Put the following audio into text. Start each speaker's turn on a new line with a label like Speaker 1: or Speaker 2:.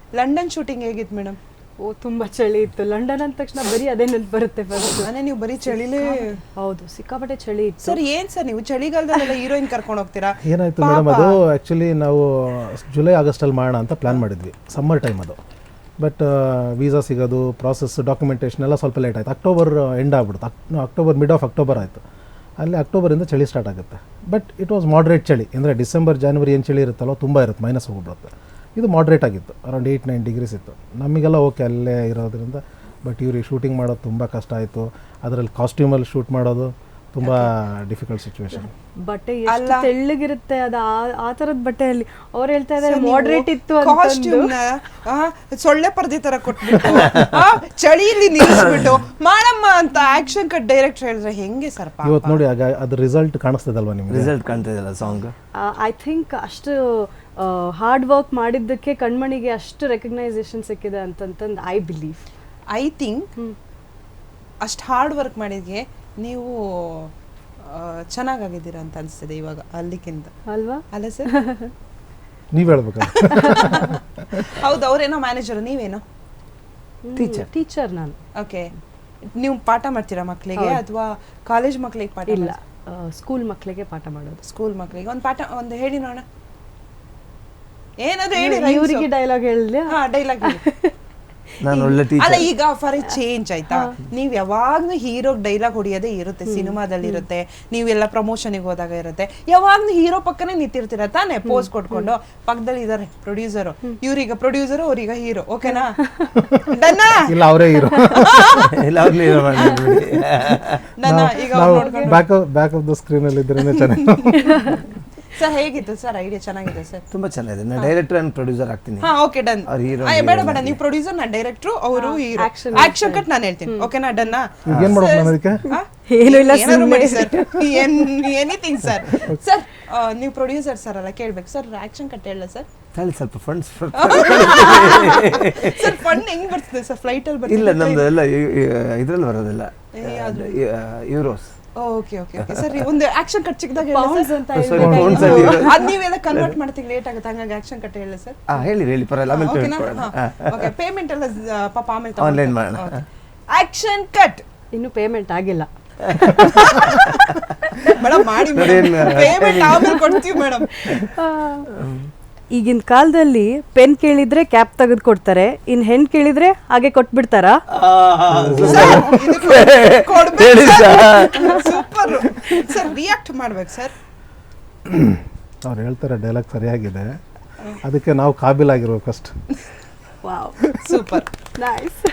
Speaker 1: London shooting ಹೇಗಿತ್ತು madam?
Speaker 2: ಓ ತುಂಬ ಚಳಿ ಇತ್ತು. ಲಂಡನ್ ಅಂದ ತಕ್ಷಣ ಬರೀ ಅದೇ ನೆನಪು ಬರುತ್ತೆ ಫಸ್ಟ್.
Speaker 1: ಅಂದ್ರೆ ನೀವು ಬರೀ ಚಳಿಲೇ?
Speaker 2: ಹೌದು, ಸಿಕ್ಕಾಪಟ್ಟೆ ಚಳಿ ಇತ್ತು.
Speaker 1: ಸರ್ ಏನ್ ಸರ್ ನೀವು ಚಳಿಗಾಲದಲ್ಲೆಲ್ಲ ಹೀರೋಯಿನ್ ಕರ್ಕೊಂಡು ಹೋಗ್ತೀರಾ?
Speaker 3: ಏನಾಯ್ತು ಮೇಡಮ್, ಅದು ಆ್ಯಕ್ಚುಲಿ ನಾವು ಜುಲೈ ಆಗಸ್ಟಲ್ಲಿ ಮಾಡೋಣ ಅಂತ ಪ್ಲ್ಯಾನ್ ಮಾಡಿದ್ವಿ, ಸಮ್ಮರ್ ಟೈಮ್ ಅದು. ಬಟ್ ವೀಸಾ ಸಿಗೋದು, ಪ್ರಾಸೆಸ್, ಡಾಕ್ಯುಮೆಂಟೇಷನ್ ಎಲ್ಲ ಸ್ವಲ್ಪ ಲೇಟ್ ಆಯಿತು. ಅಕ್ಟೋಬರ್ ಎಂಡ್ ಆಗ್ಬಿಡುತ್ತೆ, ಮಿಡ್ ಆಫ್ ಅಕ್ಟೋಬರ್ ಆಯಿತು. ಅಲ್ಲಿ ಅಕ್ಟೋಬರಿಂದ ಚಳಿ ಸ್ಟಾರ್ಟ್ ಆಗುತ್ತೆ. ಬಟ್ ಇಟ್ ವಾಸ್ ಮಾಡ್ರೇಟ್ ಚಳಿ, ಅಂದರೆ ಡಿಸೆಂಬರ್ ಜಾನ್ವರಿ ಏನು ಚಳಿ ಇರುತ್ತಲ್ಲೋ ತುಂಬ ಇರುತ್ತೆ, ಮೈನಸ್ ಹೋಗ್ಬಿಡುತ್ತೆ. ಇದು ಮಾಡ್ರೇಟ್ ಆಗಿತ್ತು, ಅರೌಂಡ್ 8-9 ಡಿಗ್ರೀಸ್ ಇತ್ತು. ನಮಗೆಲ್ಲ ಓಕೆ ಅಲ್ಲೇ ಇರೋದ್ರಿಂದ. ಬಟ್ ಇವ್ರಿಗೆ ಶೂಟಿಂಗ್ ಮಾಡೋದು ತುಂಬ ಕಷ್ಟ ಆಯಿತು. ಅದರಲ್ಲಿ ಕಾಸ್ಟ್ಯೂಮಲ್ಲಿ ಶೂಟ್ ಮಾಡೋದು ತುಂಬ ಡಿಫಿಕಲ್ಟ್ ಸಿಚುವೇಶನ್.
Speaker 2: ಬಟ್ಟೆ ಎಷ್ಟು ತೆಳ್ಳಗಿರುತ್ತೆ, ಅದು ಆ ಥರದ ಬಟ್ಟೆಯಲ್ಲಿ ಅವ್ರು ಹೇಳ್ತಾ ಇದ್ದಾರೆ ಮಾಡ್ರೇಟ್ ಇತ್ತು ಅಂತ.
Speaker 1: ಕಾಸ್ಟ್ಯೂಮ್ನ ಸೊಳ್ಳೆ ಪರ್ದೆ ತರ ಕೊಟ್ಬಿಟ್ಟು ಚಳಿಯಲ್ಲಿ ನಿಲ್ಲಿಸ್ಬಿಟ್ಟು ಮಾಡಮ್ಮ ಅಂತ ಆಕ್ಷನ್ ಕಟ್ ಡೈರೆಕ್ಟ್ ಹೇಳಿದ್ರೆ ಹೆಂಗೆ ಸರ್?
Speaker 3: ಇವತ್ತು ನೋಡಿ ಆಗ ಅದ್ರ ರಿಸಲ್ಟ್ ಕಾಣಿಸ್ತದಲ್ವಾ ನಿಮ್ಗೆ?
Speaker 4: ರಿಸಲ್ಟ್ ಕಾಣ್ತಿದೆಯಲ್ಲ ಸಾಂಗ್.
Speaker 2: ಐ ಥಿಂಕ್ ಅಷ್ಟು ಹಾರ್ಡ್ ವರ್ಕ್ ಮಾಡಿದ್ದಕ್ಕೆ ಕಣ್ಮಣಿಗೆ ಅಷ್ಟು ರೆಕಗ್ನೈಸೇಷನ್ ಸಿಕ್ಕಿದೆ ಅಂತಂತಂದು ಐ ಬಿಲೀವ್.
Speaker 1: ಐ ಥಿಂಕ್ ಅಷ್ಟು ಹಾರ್ಡ್ ವರ್ಕ್ ಮಾಡಿದ್ಗೆ ನೀವು ಚೆನ್ನಾಗಿದ್ದೀರಾ ಅಂತ ಅನಿಸ್ತಿದೆ ಇವಾಗ ಅಲ್ಲಿಗಿಂತ,
Speaker 2: ಅಲ್ವಾ?
Speaker 1: ಅಲ್ಲ ಸರ್?
Speaker 3: ನೀವು ಹೇಳ್ಬೇಕು.
Speaker 1: ಹೌದು, ಅವರೇನೋ ಮ್ಯಾನೇಜರ್, ನೀವೇನೋ
Speaker 2: ಟೀಚರ್ ನಾನು.
Speaker 1: ಓಕೆ, ನೀವು ಪಾಠ ಮಾಡ್ತೀರಾ ಮಕ್ಕಳಿಗೆ ಅಥವಾ ಕಾಲೇಜ್ ಮಕ್ಕಳಿಗೆ ಪಾಠ?
Speaker 2: ಇಲ್ಲ, ಸ್ಕೂಲ್ ಮಕ್ಕಳಿಗೆ ಪಾಠ ಮಾಡೋದು.
Speaker 1: ಸ್ಕೂಲ್ ಮಕ್ಕಳಿಗೆ ಒಂದು ಪಾಠ ಒಂದು ಹೇಳಿ ನೋಡೋಣ. ಏನಾದ್ರು ಹೇಳಿ.
Speaker 2: ಇವರಿಗೆ ಡೈಲಾಗ್ ಹೇಳಿಲ್ಲ?
Speaker 1: ಹಾ, ಡೈಲಾಗ್ ಹೇಳಿ.
Speaker 4: ನಾನು ಒಳ್ಳೆ
Speaker 1: ಅಲ್ಲ,
Speaker 4: ಟೀಚರ್.
Speaker 1: ಈಗ ಫಾರ್ ಚೇಂಜ್ ಆಯ್ತಾ, ನೀವ್ ಯಾವಾಗ್ಲೂ ಹೀರೋ ಡೈಲಾಗ್ ಹೊಡಿಯೋದೇ ಇರುತ್ತೆ, ಸಿನಿಮಾದಲ್ಲಿ ಇರುತ್ತೆ, ನೀವೆಲ್ಲ ಪ್ರಮೋಷನ್ಗೆ ಹೋದಾಗ ಇರುತ್ತೆ. ಯಾವಾಗ್ಲೂ ಹೀರೋ ಪಕ್ಕನೇ ನಿಂತಿರ್ತೀರ ತಾನೆ, ಪೋಸ್ ಕೊಟ್ಕೊಂಡು. ಪಕ್ಕದಲ್ಲಿ ಇದಾರೆ ಪ್ರೊಡ್ಯೂಸರು, ಇವ್ರೀಗ ಪ್ರೊಡ್ಯೂಸರು, ಅವ್ರೀಗ ಹೀರೋ. ಓಕೆನಾ? ಡನ್ನಾ?
Speaker 3: ಇಲ್ಲ, ಅವರೇ ಇರೋ.
Speaker 1: ಡನ್ನಾ? ಈಗ
Speaker 3: ಬ್ಯಾಕ್ ಆಫ್ ದ ಸ್ಕ್ರೀನ್ ಅಲ್ಲಿ ಇದ್ರೇನೆ ಚೆನ್ನಾಗಿ.
Speaker 1: ಸರ್ ಹೇಗಿತ್ತು ಸರ್? ಐಡಿಯಾ ಚೆನ್ನಾಗಿದೆ ಸರ್,
Speaker 4: ತುಂಬಾ ಚೆನ್ನಾಗಿದೆ. ನಾನು ಡೈರೆಕ್ಟರ್ ಅಂಡ್ ಪ್ರೊಡ್ಯೂಸರ್ ಆಗ್ತೀನಿ.
Speaker 1: ಹಾ, ಓಕೆ, ಡನ್. ಬೇಡ ಬೇಡ, ನೀವು ಪ್ರೊಡ್ಯೂಸರ್, ನಾನು ಡೈರೆಕ್ಟ್ರು, ಅವರು ಹೀರೋ. ಆಕ್ಷನ್ ಕಟ್ ನಾನು ಹೇಳ್ತೀನಿ. ಓಕೆನಾ? ಡನ್ನಾ?
Speaker 3: ಏನ್ ಮಾಡ್ಬೇಕು ನಾನು ಅದಕ್ಕೆ?
Speaker 2: ಏನು ಇಲ್ಲ,
Speaker 1: ಎನಿಥಿಂಗ್ ಸರ್. ಸರ್ ನೀವು ಪ್ರೊಡ್ಯೂಸರ್ ಸರ್ ಅಲ್ಲ, ಕೇಳ್ಬೇಕು ಸರ್. ಆಕ್ಷನ್ ಕಟ್ ಹೇಳ ಸರ್.
Speaker 4: ತಾಳಿ ಸ್ವಲ್ಪ ಫಂಡ್ಸ್.
Speaker 1: ಸರ್ ಫಂಡ್ ಹೆಂಗ್ ಬರ್ತದೆ ಸರ್? ಫ್ಲೈಟ್ ಅಲ್ಲಿ
Speaker 4: ಇಲ್ಲ, ನಮ್ದು ಎಲ್ಲ ಇದ್ರಲ್ಲಿ ಬರೋದಿಲ್ಲ, euros.
Speaker 1: Okay okay okay sir. ಒಂದು ಆಕ್ಷನ್ ಕಟ್ ಚಿಕ್ಕದಾಗ
Speaker 2: ಪೌಂಡ್ಸ್ ಅಂತ
Speaker 1: ಅದ್ ನೀವೆಲ್ಲ ಕನ್ವರ್ಟ್ ಮಾಡ್ತೀವಿ ಲೇಟ್ ಆಗುತ್ತೆ, ಹಂಗಾಗಿ ಆಕ್ಷನ್ ಕಟ್ ಹೇಳಿ ಸರ್.
Speaker 4: ಹೇಳಿ ಪರವಾಗಿಲ್ಲ, ಆಮೇಲೆ ಪೇಮೆಂಟ್ ಮಾಡೋಣ.
Speaker 1: ಓಕೆ, ಪೇಮೆಂಟ್ ಎಲ್ಲ ಪಾಪ ಆಮೇಲೆ
Speaker 4: ಆನ್ಲೈನ್ ಮಾಡೋಣ.
Speaker 1: Action cut.
Speaker 2: ಇನ್ನು ಪೇಮೆಂಟ್ ಆಗಿಲ್ಲ
Speaker 1: ಮೇಡಮ್, ಮಾಡಿ ಪೇಮೆಂಟ್ ಆಮೇಲೆ ಕೊಡ್ತೀವಿ ಮೇಡಮ್.
Speaker 2: ಈಗಿನ ಕಾಲದಲ್ಲಿ ಪೆನ್ ಕೇಳಿದ್ರೆ ಕ್ಯಾಪ್ ತೆಗೆದು ಕೊಡ್ತಾರೆ, ಇನ್ ಹೆಣ್ ಕೇಳಿದ್ರೆ ಹಾಗೆ ಕೊಟ್ಬಿಡ್ತಾರಾ?
Speaker 1: ಸೂಪರ್ ಸರ್, ರಿಯಾಕ್ಟ್ ಮಾಡ್ಬೇಕು ಸರ್.
Speaker 3: ಅವ್ರು ಹೇಳ್ತಾರೆ ಡೈಲಾಗ್ ಸರಿಯಾಗಿದೆ, ಅದಕ್ಕೆ ನಾವು ಕಾಬಿಲಾಗಿರ್ಬೇಕು ಅಷ್ಟು.
Speaker 2: Wow,
Speaker 1: super,
Speaker 2: nice.